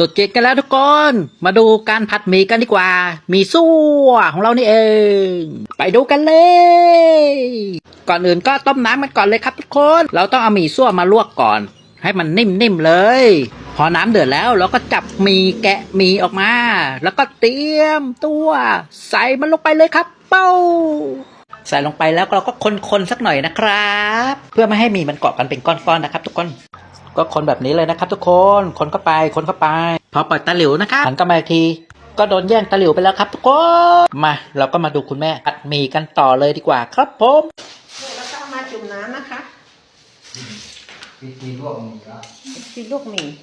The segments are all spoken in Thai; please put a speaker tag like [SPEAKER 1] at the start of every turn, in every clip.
[SPEAKER 1] ตุดจีนกันแล้วทุกคนมาดูการผัดหมี่กันดีกว่าหมี่ซั่วของเรานี่เองไปดูกันเลยก่อนอื่นก็ต้มน้ำกันก่อนเลยครับทุกคนเราต้องเอาหมี่ซั่วมาลวกก่อนให้มันนิ่มๆเลยพอน้ำเดือดแล้วเราก็จับหมี่แกะหมี่ออกมาแล้วก็เตรียมตัวใส่มันลงไปเลยครับเป้าใส่ลงไปแล้วเราก็คนๆสักหน่อยนะครับเพื่อไม่ให้หมี่มันเกาะกันเป็นก้อนๆนะครับทุกคนก็คนแบบนี้เลยนะครับทุกคนคนเข้าไปพอปล่อยตะหลิวนะครับหันกลับมาอีกทีก็โดนแย่งตะหลิวไปแล้วครับทุกคนมาเราก็มาดูคุณแม่อัดหมี่กันต่อเลยดีกว่าครับผม
[SPEAKER 2] แล้วก็มาจุ่มน้ำนะคะ
[SPEAKER 3] ปีลวกหมี่แล้ว
[SPEAKER 2] ทีลวกหมี่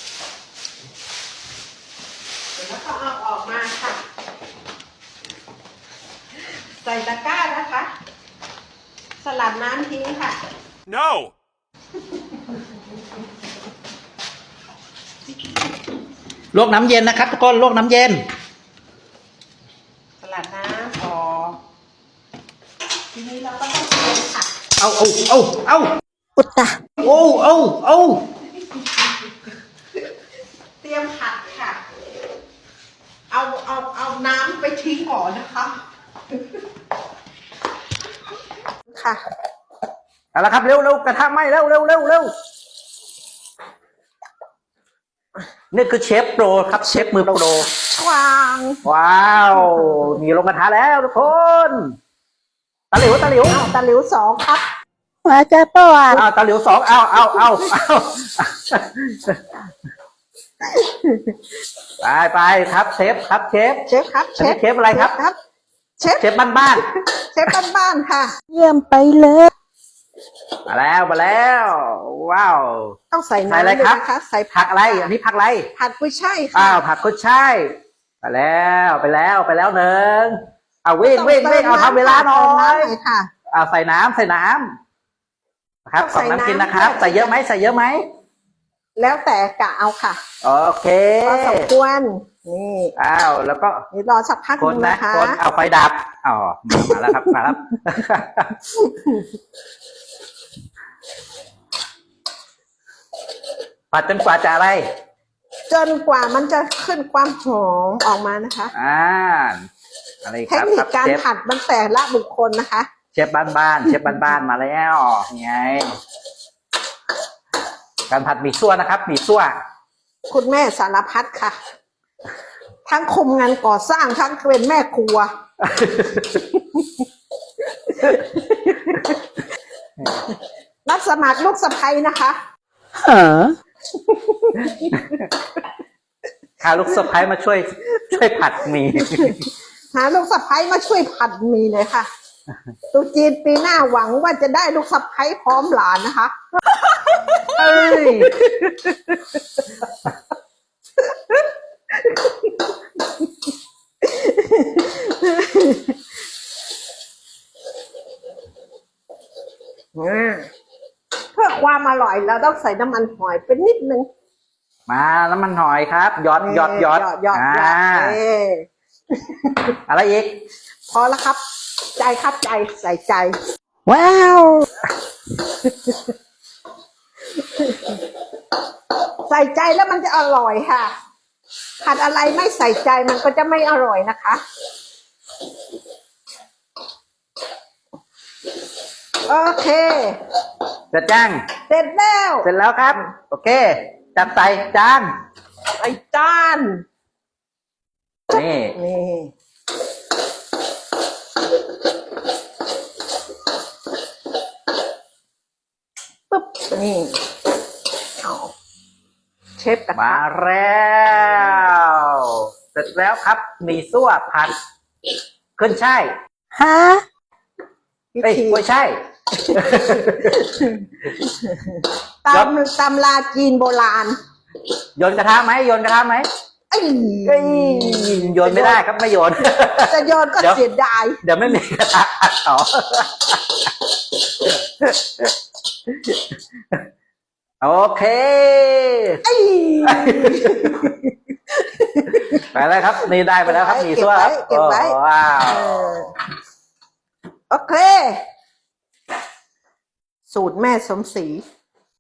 [SPEAKER 2] แล้วก็เอาออกมาค่ะใส่ตะกร้านะคะสลัดน้ำทิ้งค่ะ
[SPEAKER 4] No
[SPEAKER 1] ลวกน้ำเย็นนะครับทุกคนลวกน้ำเย็น
[SPEAKER 2] สลัดน้ำออกทีนี้เราก็ต้องเตรียมผัก
[SPEAKER 1] เอา
[SPEAKER 2] อุตตะ
[SPEAKER 1] เอา
[SPEAKER 2] เตรียมผักค่ะเอาน้ำไปทิ้งก่อนนะคะค่ะ
[SPEAKER 1] เอาละครับเร็วกระทะไหม้เร็วนี่คือเชฟโปรครับเชฟมือโปรว้าวมีลงกระทะแล้วทุกคนตะหลิว
[SPEAKER 2] ตะหลิวสองครับ
[SPEAKER 1] มาเจ้าป้าตะหลิวสองเอาไปครับเชฟครับเชฟอะไรครับเชฟบ้าน
[SPEAKER 2] เชฟบ้านค่ะ
[SPEAKER 1] เยี่ยมไปเลยมาแล้วว้าว
[SPEAKER 2] ต้องใส่น้ำอะไรครับ
[SPEAKER 1] ใส่ผักอะไรอันนี้ผักอะไร
[SPEAKER 2] ผัดกุ้ยช่ายค่ะ
[SPEAKER 1] ผักกุ้ยช่ายไปแล้วหนึ่งวิ่งเอาทำเวลาหน่อยใส่น้ำครับของน้ำกินนะครับใส่เยอะไหม
[SPEAKER 2] แล้วแต่กะเอาค่ะ
[SPEAKER 1] โอเค
[SPEAKER 2] พอสมควรนี่
[SPEAKER 1] แล้วก็
[SPEAKER 2] นี่รอสักพักนึงนะคะ
[SPEAKER 1] คนเอาไฟดับมาแล้วครับผัดจนกว่าจะอะไร
[SPEAKER 2] จนกว่ามันจะขึ้นความหอมออกมานะคะ
[SPEAKER 1] อะไรครับ
[SPEAKER 2] เทคนิคการผัดมันแต่ละบุคคลนะคะ
[SPEAKER 1] เชฟบ้านมาแล้วไงการผัดหมี่ซั่วนะครับหมี่ซั่ว
[SPEAKER 2] คุณแม่สารพัดค่ะทั้งคุมงานก่อสร้างทั้งเป็นแม่ครัวรับสมัครลูกสะใภ้นะคะ
[SPEAKER 1] หาลูกสะใภ้มาช่วยผัดหมี่
[SPEAKER 2] หาลูกสะใภ้มาช่วยผัดหมี่เลยค่ะตุ๊จีนปีหน้าหวังว่าจะได้ลูกสะใภ้พร้อมหลานนะคะเพื่อความอร่อยเราต้องใส่น้ำมันหอยเป็นนิดนึง
[SPEAKER 1] มาน้ำมันหอยครับหยอดอะไรอีก
[SPEAKER 2] พอแล้วครับใจครับใจใส่ใจ
[SPEAKER 1] ว้าว
[SPEAKER 2] ใส่ใจแล้วมันจะอร่อยค่ะผัดอะไรไม่ใส่ใจมันก็จะไม่อร่อยนะคะโอเค
[SPEAKER 1] เสร็จยัง
[SPEAKER 2] เสร็จ
[SPEAKER 1] แล้วครับโอเคจัดใส่จานนี่
[SPEAKER 2] ปึ๊บนี่เชฟกระทะ
[SPEAKER 1] มาแล้วเสร็จแล้วครับหมี่ซั่วผัดขึ้นช่ายไม่ใช่
[SPEAKER 2] ตำราจีนโบราณ
[SPEAKER 1] โยนกระทะไหมโยนไม่ได้ครับไม่โยน
[SPEAKER 2] จะโยนก็เสียดาย
[SPEAKER 1] เดี๋ยวไม่มีกระทะผัดต่อโอเคไปแล้วครับนี่ได้ไปแล้วครับหมี่ซั่วครับ
[SPEAKER 2] เก็บไว้
[SPEAKER 1] ว้าว
[SPEAKER 2] โอเคสูตรแม่สมศรี